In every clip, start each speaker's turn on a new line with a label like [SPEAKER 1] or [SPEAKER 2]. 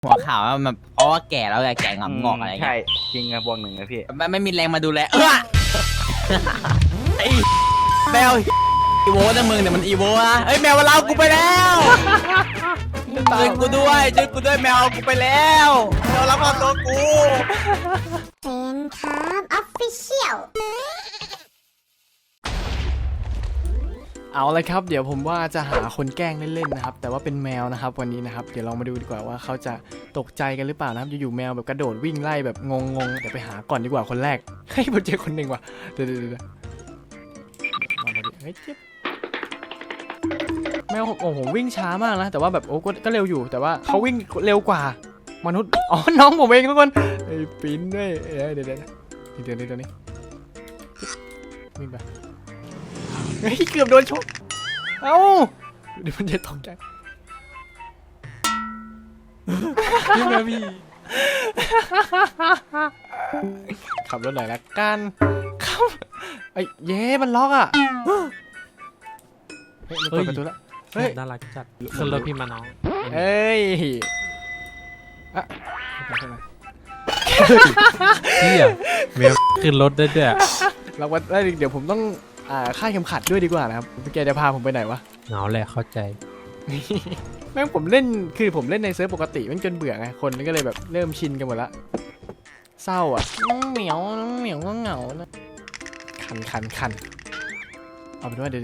[SPEAKER 1] หัวขาวมันเพราะว่าแก่แล้วไงแก่งอกอะไรเงี้ย
[SPEAKER 2] ใช่จริงอะบวกหนึ่งนะพี่
[SPEAKER 1] ไม่มีแรงมาดูแลไอ้แมวอีโวนะมึงเนี่ยมันอีโวนะเอ้ยแมวมาเล่ากูไปแล้วช่วยกูด้วยแมวกูไปแล้วแมวรับความตัวกู
[SPEAKER 3] แฟนครับออฟฟิเชียล
[SPEAKER 4] เอาเลยครับเดี๋ยวผมว่าจะหาคนแกล้งเล่นๆนะครับแต่ว่าเป็นแมวนะครับวันนี้นะครับเดี๋ยวเรามาดูดีกว่าว่าเขาจะตกใจกันหรือเปล่านะครับอยู่ๆแมวแบบกระโดดวิ่งไล่แบบงงๆเดี๋ยวไปหาก่อนดีกว่าคนแรกเฮ้ยผมเจอคนหนึ่งว่ะเดี๋ยวมาพอดีเฮ้ยเจ็บแมวโอ้โหวิ่งช้ามากนะแต่ว่าแบบโอ้ก็เร็วอยู่แต่ว่าเขาวิ่งเร็วกว่ามนุษย์อ๋อน้องผมเองทุกคนไอ้ปิ้นด้วยเดี๋ยวนี้วิ่งไปเฮ้ยเกือบโดนชกเอ้าเดี๋ยวมันจะตกใจนี่นะพี่ขับรถหน่อยละกันครับไอ้เย้มันล็อกอ่ะเฮ้ยมันเปิดประตูแล้วเฮ้ย
[SPEAKER 5] น่ารักจัดขึ้นรถพี่มาน้อง
[SPEAKER 4] เฮ้ยอะ
[SPEAKER 5] เฮียแมวขึ้นรถได้ด้วย
[SPEAKER 4] เราว่าเดี๋ยวผมต้องค่าดเข็มขัดด้วยดีกว่านะครับแกจะพาผมไปไหนวะ
[SPEAKER 5] เหงาแหละเข้าใจ
[SPEAKER 4] แม่งผมเล่นคือผมเล่นในเซิร์ฟปกติมันจนเบื่อไงคนก็เลยแบบเริ่มชินกันหมดละเศร้าอ่ะเหมียวก็เหงานะคันเอาเป็นว่าเดี๋ยว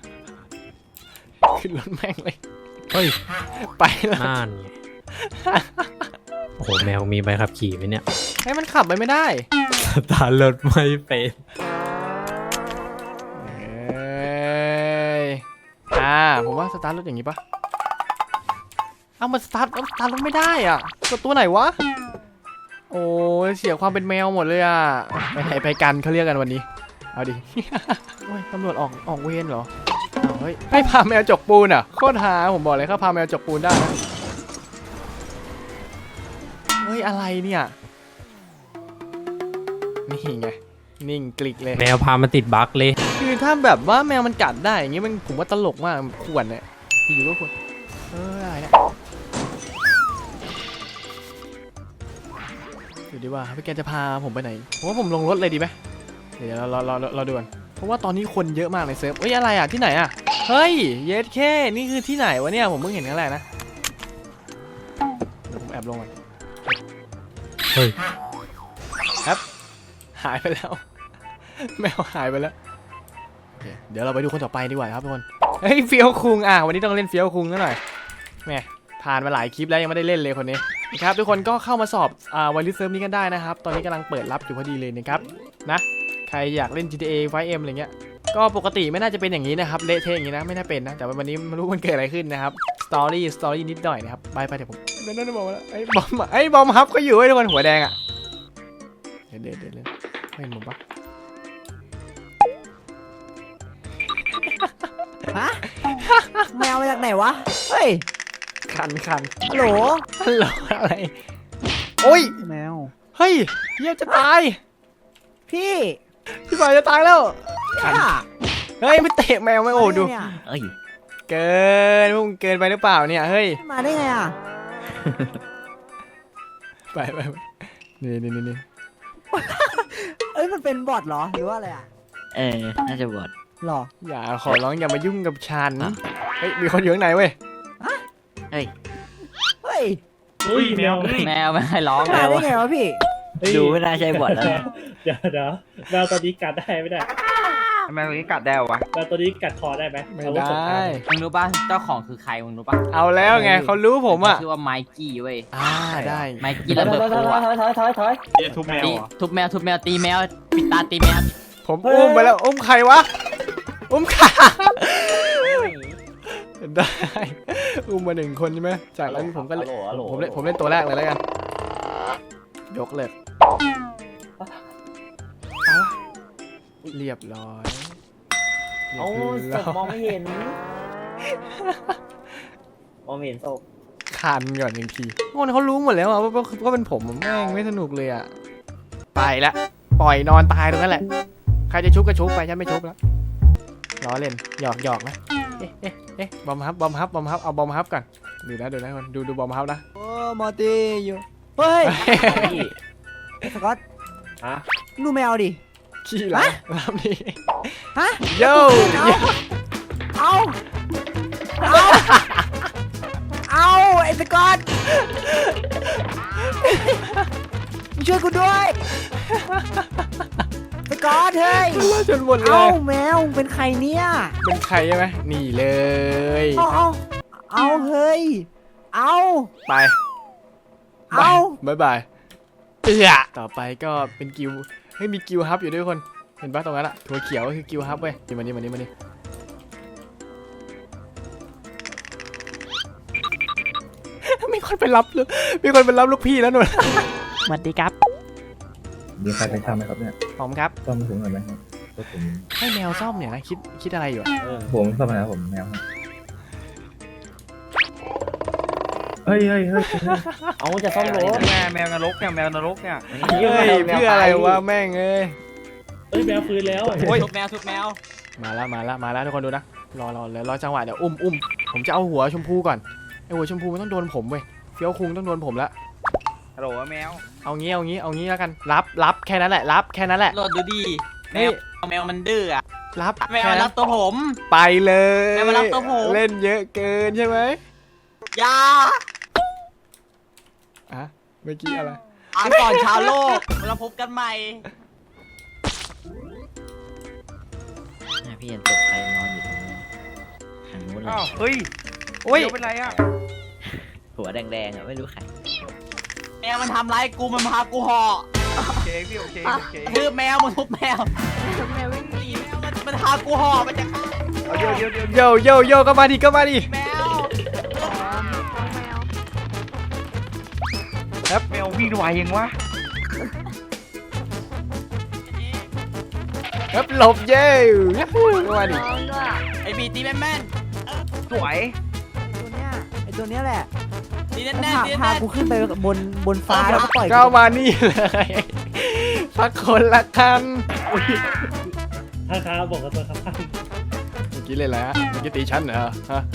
[SPEAKER 4] ขึ้นรถแม่งเลย
[SPEAKER 5] เฮ้ย
[SPEAKER 4] ไปแล้ว
[SPEAKER 5] น่านไงโอ้โหแมวมีใบขับขี่ไหมเนี่ย
[SPEAKER 4] ให้มันขับไปไม่ได้
[SPEAKER 5] สตาร์ทรถไม่เป็น
[SPEAKER 4] ผมว่าสตาร์ทรถอย่างนี้ปะเอามันสตาร์ทรถไม่ได้อ่ะกดตัวไหนวะโอ้ยเสียความเป็นแมวหมดเลยอ่ะไปกันเขาเรียกกันวันนี้เอาดิ โอ้ยตำรวจออกเวรเหรอเฮ้ยให้พาแมวจกปูนอ่ะโคตรหาผมบอกเลยเขาพาแมวจกปูนได้นะเฮ้ยอะไรเนี่ยนี่ไงนิ่งกลิกเลย
[SPEAKER 5] แมวพามาติดบั๊กเลย
[SPEAKER 4] คือถ้าแบบว่าแมวมันกัดได้อย่างงี้มันผมว่าตลกมากขวนเนี่ยอยู่ก็ขวนอะไรเนี่ยอยู่ดีว่าพี่แกจะพาผมไปไหนผมว่าผมลงรถเลยดีไหมเดี๋ยวเราดูกันเพราะว่าตอนนี้คนเยอะมากในเซิร์ฟเอ้ยอะไรอ่ะที่ไหนอ่ะเฮ้ยเยสแค่นี่คือที่ไหนวะเนี่ยผมเพิ่งเห็นครั้งแรกนะเดี๋ยวผมแอบลงก่อน
[SPEAKER 5] เฮ้ย
[SPEAKER 4] ครับหายไปแล้วแมวหายไปแล้วโอเคเดี๋ยวเราไปดูคนต่อไปดีกว่าครับทุกคนเฮ้ยเฟี้ยวคุงวันนี้ต้องเล่นเฟี้ยวคุงกันหน่อยแม่ผ่านมาหลายคลิปแล้วยังไม่ได้เล่นเลยคนนี้นะครับทุกคนก็เข้ามาสอบไวริสเซิร์ฟนี้กันได้นะครับตอนนี้กำลังเปิดรับอยู่พอดีเลยนะครับนะใครอยากเล่น GTA 5M อะไรเงี้ยก็ปกติไม่น่าจะเป็นอย่างนี้นะครับเละเทะอย่างนี้นะไม่น่าเป็นนะแต่วันนี้ไม่รู้มันเกิดอะไรขึ้นนะครับสตอรี่นิดหน่อยนะครับไปเดี๋ยวผมนั่นบอกว่าไอ้บอมฮับก็อยู่ไอ้ทุกคนหัวแดงอ่ะเดี๋ยวไม่เห็นผมปะ
[SPEAKER 6] ฮะแมวมาจากไหนวะ เฮ้ย
[SPEAKER 4] คัน
[SPEAKER 6] ฮัลโหล
[SPEAKER 4] อะไรโอ้ย
[SPEAKER 6] แมว
[SPEAKER 4] เฮ้ยเหี้ยจะตาย
[SPEAKER 6] พี่
[SPEAKER 4] พี่บ่ายจะตายแล้ว
[SPEAKER 6] ค่ะ
[SPEAKER 4] เฮ้ยไม่เตะแมวไม่โอ้ดู
[SPEAKER 6] เนี่ย
[SPEAKER 1] เอ้ย
[SPEAKER 4] เกินมึงเกินไปหรือเปล่าเนี่ยเฮ้ย
[SPEAKER 6] มาได้ไงอ่ะ
[SPEAKER 4] ไปนี่
[SPEAKER 6] เอ้ยมันเป็นบอทเหรอ หรือว่าอะไรอ่ะ
[SPEAKER 1] น่าจะบวช
[SPEAKER 6] หรอ
[SPEAKER 4] อย่าขอร้องอย่ามายุ่งกับฉันเฮ้ยมีคนอยู่ข้างในเว้ย
[SPEAKER 1] เฮ้ย
[SPEAKER 6] เฮ้ย
[SPEAKER 2] อุ้ยแมว
[SPEAKER 1] แมวไม่ให้ร้อง
[SPEAKER 6] มา
[SPEAKER 1] เล
[SPEAKER 6] ได้
[SPEAKER 1] ย
[SPEAKER 6] ไงวะพี่
[SPEAKER 1] ดูไม่น่าใช่บวชแล้ว
[SPEAKER 7] เดี๋ยวแมวตัวนี้กัดได้ไม่ได้
[SPEAKER 2] ทำไมวันนี้กัดได้วะ
[SPEAKER 7] แมวตัวนี้กัดคอได้ไหม
[SPEAKER 4] ไม่
[SPEAKER 7] อาวุธสงค
[SPEAKER 4] ได้
[SPEAKER 7] ราม
[SPEAKER 1] มึงรู้ป่ะเจ้าของคือใครมึงรู้ป่ะ
[SPEAKER 4] เอาแล้วไงเขารู้ผมอ่ะ
[SPEAKER 1] ชื่อว่าไมกี้เว้ย
[SPEAKER 4] ได้
[SPEAKER 1] ไมกี้ระเบิดตัว
[SPEAKER 2] ทุบแมว
[SPEAKER 1] ตี
[SPEAKER 2] เหรอ
[SPEAKER 1] ทุบแมวตีแมวปิดตาตีแมว
[SPEAKER 4] ผมอุ้มไปแล้วอุ้มใครวะอุ้มขาได้อุ้มมา1 คนใช่ไหมจากนั้นผมก็เลยผมเล่นตัวแรกเลยแล้วกันยกเลยเรียบร้อย
[SPEAKER 6] โอ้ศพมองไม่เห็น มองไม่เห็นศพ
[SPEAKER 4] คันก่อน1 ทีคนเขารู้หมดแล้วอะว่าเป็นผมแม่งไม่สนุกเลยอ่ะไปละปล่อยนอนตายตรงนั้นแหละใครจะชุบก็ชุบไปฉันไม่ชุบแล้วล้อเล่นหยอกนะเอ๊ะบอมฮับเอาบอมฮับก่อนดูนะคนดูบอมเฮานะ
[SPEAKER 6] โอ้มอร์ตี้อยู่เฮ้ยไอ้สกอต
[SPEAKER 2] ฮะ
[SPEAKER 6] ดูแมวดิ
[SPEAKER 4] ขี้หลังลำนี้
[SPEAKER 6] ฮะ
[SPEAKER 4] โย่
[SPEAKER 6] เอาไอ้สกอตมาช่วยกูด้วยสกอตเฮ้ย
[SPEAKER 4] ล่าจนหมดเล
[SPEAKER 6] เอ้าย แมวเป็นใครเนี่ย
[SPEAKER 4] เป็นใครใช่ไหมนี่เลย
[SPEAKER 6] เอาเฮ้ยเอา
[SPEAKER 4] ไป
[SPEAKER 6] เอา
[SPEAKER 4] บายบายต่อไปก็เป็นกิวเฮ้ยมีกิวฮับอยู่ด้วยคนเห็นปะตรงนั้นอะถั่วเขียวก็คือกิวฮับเว้ยมานี่มีคนไปรับลูกพี่แล้วหนู
[SPEAKER 6] สวัสดีครับ
[SPEAKER 8] มีใครเป็นช่างไหมครับเนี่ย
[SPEAKER 4] ผมครับ
[SPEAKER 8] ซ่อมถึงหน่อยไหมครับก็ผม
[SPEAKER 4] ให้แมวซ่อมเนี่ยนะคิดอะไรอยู่อะ
[SPEAKER 8] ผมซ่อมนะครับผมแมวครับเฮ้ย
[SPEAKER 2] เอาจะซ่อมรถแมวนรกเนี่ยแมวนรกเนี่ย
[SPEAKER 4] เฮ้ยเพื่ออะไรวะแม่งเอ้ย
[SPEAKER 7] เอ้ยแมวฟื้นแล้ว
[SPEAKER 4] โอ้ย
[SPEAKER 1] ทุบแมว
[SPEAKER 4] มาแล้วทุกคนดูนะรอจังหวะเดี๋ยวอุ้มผมจะเอาหัวชมพูก่อนไอหัวชมพูมันต้องโดนผมเว้ยเฟี้ยวคุงต้องโดนผมละ
[SPEAKER 2] ฮัลโหลแมว
[SPEAKER 4] เอางี้แล้วกันรับแค่นั้นแหละรับแค่นั้นแหละ
[SPEAKER 1] โหลดดูดิแม
[SPEAKER 4] นี่
[SPEAKER 1] วมันดื้ออะ
[SPEAKER 4] รับ
[SPEAKER 1] แมวมันรับตัวผม
[SPEAKER 4] ไปเลย
[SPEAKER 1] แมวมารับตัวผม
[SPEAKER 4] เล่นเยอะเกินใช่ไหม
[SPEAKER 1] อยา
[SPEAKER 4] อ่ะเมื่อกี้อะไร
[SPEAKER 1] อ่านก่อนชาวโลกเราพบกันใหม่
[SPEAKER 9] พี่เห็นศพใครนอนอยู่ตรงนี้ทางนู้นเล
[SPEAKER 2] อ้าวย เฮ้ย
[SPEAKER 4] โอ้ย
[SPEAKER 2] เดี๋ยวเป็นไรอ่ะ
[SPEAKER 9] หัวแดงๆอ่ะไม่รู้ใคร
[SPEAKER 1] แมวมันทำร้ายกูมันพากูห่อ
[SPEAKER 2] โอเคพี่โอเค
[SPEAKER 1] คือแมวมันทุบแมวแมววิ่งหนีแมวมันพากูห่อมันจะฆ่า
[SPEAKER 2] เอาเดี๋ยว
[SPEAKER 4] โยก็มาดิ
[SPEAKER 1] แมว
[SPEAKER 2] แมววิ่งไวยังวะ
[SPEAKER 4] ครับหลบเย้ก็มาดิ
[SPEAKER 1] ไอ้บีตีแม่น
[SPEAKER 2] สวย
[SPEAKER 6] ไอ้ตัวเนี้ยแหละ
[SPEAKER 1] ๆตีแน่น
[SPEAKER 6] พากูขึ้นไปบนฟ้าแล้วก็ปล่อย
[SPEAKER 4] ก็มานี่เลยสักคนละคัน
[SPEAKER 7] ข้างๆบอกกับตัวข้าง
[SPEAKER 4] เมื่อกี้เล่นอะไรฮะเมื่อกี้ตีฉันเหรอฮะ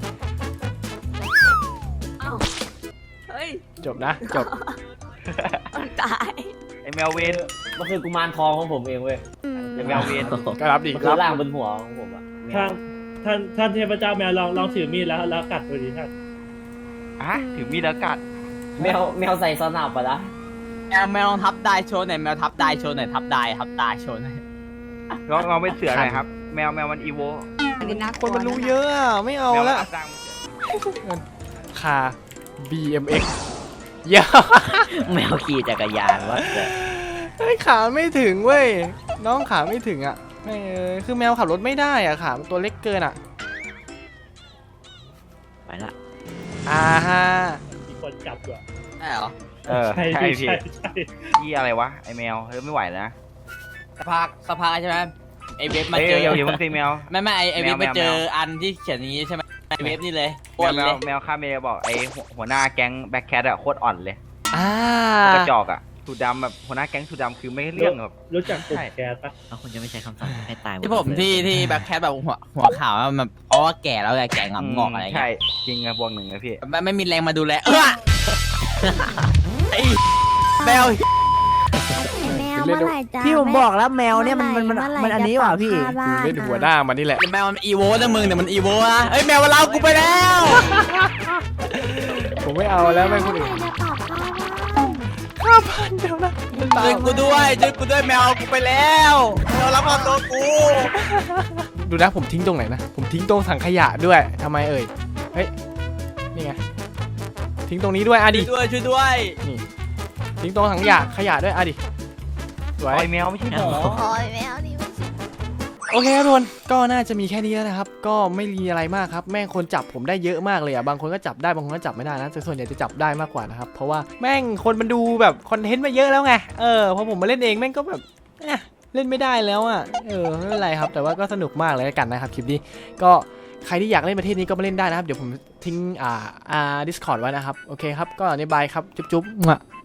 [SPEAKER 3] เฮ้ย
[SPEAKER 4] จบนะจบ
[SPEAKER 3] ตาย
[SPEAKER 2] ไอแมวเวน
[SPEAKER 10] มันคือกุมารทองของผมเองเว้ย
[SPEAKER 2] ไอแมวเวน
[SPEAKER 4] ก็รับดิ
[SPEAKER 10] มัน
[SPEAKER 4] ค
[SPEAKER 10] คือ
[SPEAKER 4] รับ
[SPEAKER 10] ร่างบนหัวของผมอะ
[SPEAKER 7] ๆท่านเทพเจ้าแมวลองถือมีดแล้วกัดดูดิท่าน
[SPEAKER 2] อ่ะถือมีดแล้วกัด
[SPEAKER 10] แมวใส่สนับปะละ
[SPEAKER 1] แมวลองทับได้โชว์หน่อยแมวทับได้โชว์หน่อยทับได้โชว์หน่อย
[SPEAKER 2] เราเป็นเสือหน่อยครับแมวมันอีโว
[SPEAKER 4] คนมันรู้เยอะอะไม่เอา
[SPEAKER 2] แมว
[SPEAKER 4] ละ
[SPEAKER 2] รับจ้างเป็นเสือ
[SPEAKER 4] คา BMX เยอะ
[SPEAKER 9] แมวขี่จักรยานวะแต่
[SPEAKER 4] เฮ้ยขาไม่ถึงเว้ยน้องขาไม่ถึงอ่ะไม่คือแมวขับรถไม่ได้อ่ะขามันตัวเล็กเกินอ่ะ
[SPEAKER 9] ไปละ
[SPEAKER 4] อ่าฮะ
[SPEAKER 7] มีคนจับอยู่อะ
[SPEAKER 1] ใช่เหรอ
[SPEAKER 7] ใช่
[SPEAKER 2] ใช่
[SPEAKER 7] พี่
[SPEAKER 2] พี่
[SPEAKER 7] ใช่
[SPEAKER 2] ยี่อะไรวะไอแมวเฮ้ยไม่ไหวแล้วนะ
[SPEAKER 1] สภาใช่ไหมไอเว็บมา
[SPEAKER 2] เฮ้ย
[SPEAKER 1] เจอ
[SPEAKER 2] เดี๋ยวมึงตีแมว
[SPEAKER 1] ไม่ไอเว็บ
[SPEAKER 2] แมว
[SPEAKER 1] มาเจออันที่เขียนอย่างนี้ใช่ไหมไอเว็บนี่เลย
[SPEAKER 2] แม
[SPEAKER 1] อ้ว
[SPEAKER 2] วน
[SPEAKER 1] เลย
[SPEAKER 2] แมวข้าเมย์บอกไอหัวหน้าแก๊งแบ็คแคทอะโคตรอ่อนเลย
[SPEAKER 4] อ่าก
[SPEAKER 2] ระจอกอะสูดดำแบบหัวหน้าแก๊งสูดดำคือไม่เรื่องแบบ
[SPEAKER 7] รู้จักกลุ่มแก๊สปะ
[SPEAKER 9] แล้วคุณจะไม่ใช้คำสั่งให้ตายหด
[SPEAKER 1] ที่ผม
[SPEAKER 9] เลย
[SPEAKER 1] ที่แบ็คแคทแบบหัวขาวมันเพราะว่าแก่แล้วไงแก่งำงอกอะไร
[SPEAKER 2] ใช่
[SPEAKER 1] เงี้ย
[SPEAKER 2] จริงอะบวกหนึ่งนะพี่
[SPEAKER 1] ไม่มีแรงมาดูแลไอ้แมว
[SPEAKER 3] แมวเมื่อไหร่จ้า
[SPEAKER 6] พี่ผมบอกแล้วแมวเนี่ยมันอันนี้ว่ะพี่
[SPEAKER 4] กูเล่นหัวหน้ามันนี่แหละ
[SPEAKER 1] แมวมันอีโวนะมึงเนี่ยมันอีโวนะเอ้ยแมวมันเล่ากูไปแล้ว
[SPEAKER 4] ผมไม่เอาแล้วแม่งคนอื่น
[SPEAKER 3] จะตอบข้าวว่า
[SPEAKER 4] ข้าพันเดี๋ยวนะ
[SPEAKER 1] ช่วยกูด้วยแมวเอากูไปแล้วแมวรับความตัวกู
[SPEAKER 4] ดูนะผมทิ้งตรงไหนนะผมทิ้งตรงถังขยะด้วยทำไมเอ่ยเฮ้ยนี่ไงทิ้งตรงนี้ด้วยอ่ะดิ
[SPEAKER 1] ช่วยด้วย
[SPEAKER 4] นี่ทิ้งตรงถังขยะด้วยอ่ะดิสวย
[SPEAKER 2] ไอแมวไม่ใช่หมอ
[SPEAKER 3] โอ้ยแมวนี่มัน
[SPEAKER 4] โอเคครับทุกคนก็น่าจะมีแค่นี้แล้วนะครับก็ไม่มีอะไรมากครับแม่งคนจับผมได้เยอะมากเลยอ่ะบางคนก็จับได้บางคนก็จับไม่ได้นะแต่ส่วนใหญ่จะจับได้มากกว่านะครับเพราะว่าแม่งคนมันดูแบบคอนเทนต์มาเยอะแล้วไงพอผมมาเล่นเองแม่งก็แบบเล่นไม่ได้แล้วอ่ะไม่เป็นไรครับแต่ว่าก็สนุกมากเลยกันนะครับคลิปนี้ก็ใครที่อยากเล่นประเทศนี้ก็มาเล่นได้นะครับเดี๋ยวผมทิ้งDiscord ไว้นะครับโอเคครับก็ในบายครับจุ๊บ